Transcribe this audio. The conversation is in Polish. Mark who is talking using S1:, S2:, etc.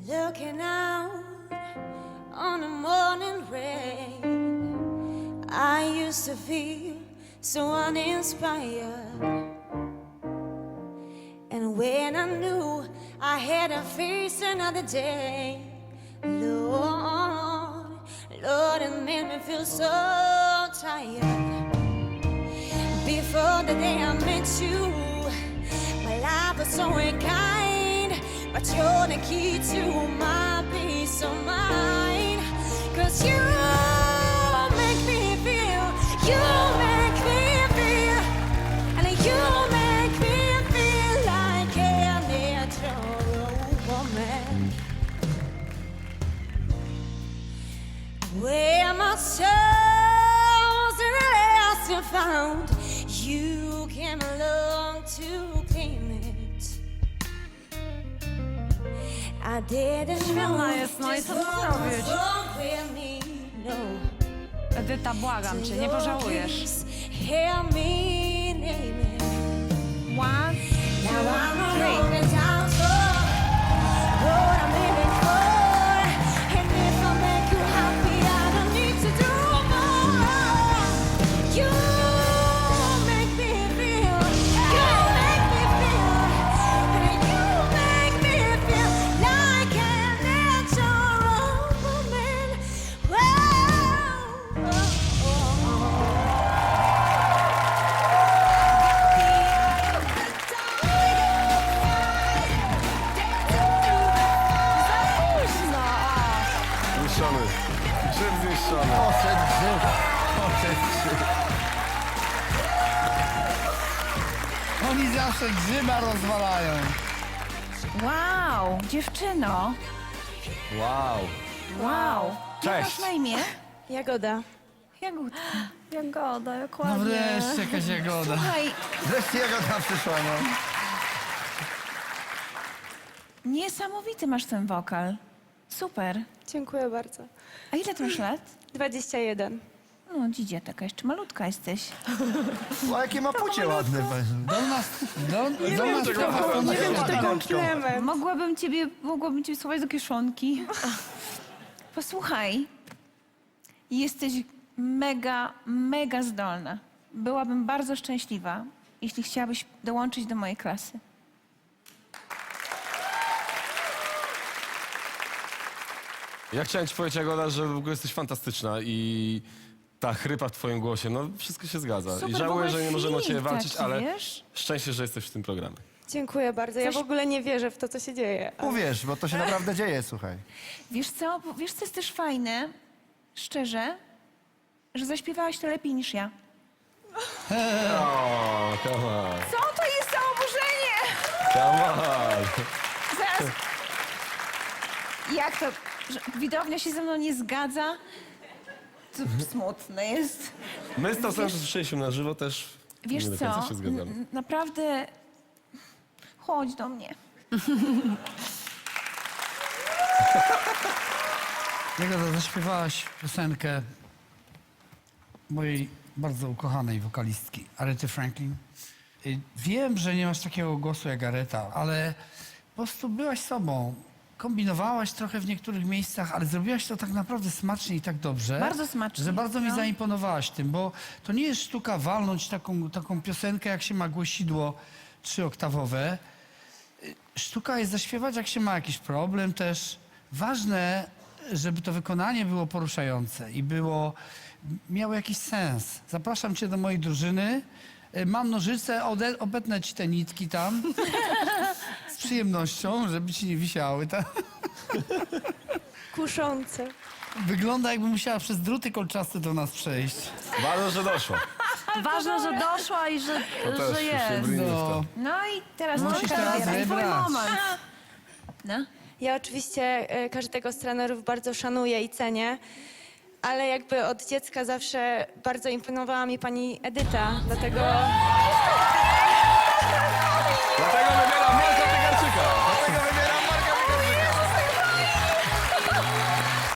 S1: Looking out on the morning rain, I used to feel so uninspired. And when I knew I had to face another day, Lord, Lord, it made me feel so tired. Before the day I met you, my life was so unkind, but you're the key to my peace of mind. 'Cause you make me feel, you make me feel, and you make me feel like a natural woman. Where my soul's at last found, you came along to claim it. I didn't know
S2: Świetna jest, no i co tu zrobić?
S1: wrong with me, no.
S2: Edyta, błagam cię, nie pożałujesz.
S1: Help me name it.
S2: 1,
S1: Now I'm
S2: 2, 3.
S1: rolling down for what I'm living for. And if I make you happy, I don't need to do more. You make me feel, you make me feel, and you make me feel like a natural woman.
S3: Zniszczony. Grzyb zniszczony.
S4: Poszedł grzyb. Poszedł grzyb. Oni zawsze grzyba rozwalają.
S2: Wow, dziewczyno.
S3: Wow.
S2: Wow. Jak masz
S3: Cześć.
S2: na imię?
S1: Jagoda.
S2: Jagódka.
S5: Jagoda, jak
S4: No
S5: ładnie.
S4: wreszcie jakaś jagoda.
S2: Słuchaj,
S4: Wreszcie jagoda przyszła, no.
S2: niesamowity masz ten wokal. Super.
S5: Dziękuję bardzo.
S2: A ile ty masz lat?
S5: 21.
S2: No, dzidzie taka, jeszcze malutka jesteś.
S4: O, jakie ma płcie ładne.
S5: Nie wiem, czy to komplement.
S2: Mogłabym ciebie schować do kieszonki. Posłuchaj, jesteś mega, mega zdolna. Byłabym bardzo szczęśliwa, jeśli chciałabyś dołączyć do mojej klasy.
S3: Ja chciałem ci powiedzieć, Jagoda, że w ogóle jesteś fantastyczna i ta chrypa w twoim głosie, no wszystko się zgadza.
S2: Super,
S3: I
S2: w
S3: żałuję,
S2: ogóle
S3: że nie możemy o ciebie
S2: feeling
S3: walczyć,
S2: taki,
S3: ale
S2: wiesz?
S3: szczęście, że jesteś w tym programie.
S5: Dziękuję bardzo. Ja
S2: Coś-
S5: w ogóle nie wierzę w to, co się dzieje.
S4: Uwierz, bo to się naprawdę dzieje, słuchaj.
S2: Wiesz co jest też fajne, szczerze, że zaśpiewałaś to lepiej niż ja.
S3: O, come on,
S2: Co to jest za oburzenie?
S3: come on.
S2: Zaraz. Jak to? Że widownia się ze mną nie zgadza? To smutne jest.
S3: My z tą samą słyszeliśmy na żywo też
S2: Wiesz
S3: nie do
S2: co?
S3: końca się zgadzamy.
S2: Naprawdę chodź do mnie.
S4: Jagoda, zaśpiewałaś piosenkę mojej bardzo ukochanej wokalistki, Arety Franklin. Wiem, że nie masz takiego głosu jak Areta, ale po prostu byłaś sobą. Kombinowałaś trochę w niektórych miejscach, ale zrobiłaś to tak naprawdę smacznie i tak dobrze.
S2: Bardzo smacznie,
S4: Że bardzo mi
S2: no.
S4: zaimponowałaś tym, bo to nie jest sztuka walnąć taką piosenkę, jak się ma głosidło 3-oktawowe. Sztuka jest zaśpiewać, jak się ma jakiś problem też. Ważne, żeby to wykonanie było poruszające i miało jakiś sens. Zapraszam cię do mojej drużyny. Mam nożyce, obetnę ci te nitki tam. Z przyjemnością, żeby ci nie wisiały.
S5: Kuszące.
S4: Wygląda, jakby musiała przez druty kolczaste do nas przejść.
S3: Bardzo, że doszło.
S5: Ważne, że doszła i że
S3: To też się brnijmy w to.
S2: No i teraz
S4: Musisz teraz
S2: twój
S4: wybrać.
S2: moment. No.
S5: Ja oczywiście każdego z trenerów bardzo szanuję i cenię, ale jakby od dziecka zawsze bardzo imponowała mi pani Edyta, dlatego
S3: Dlatego my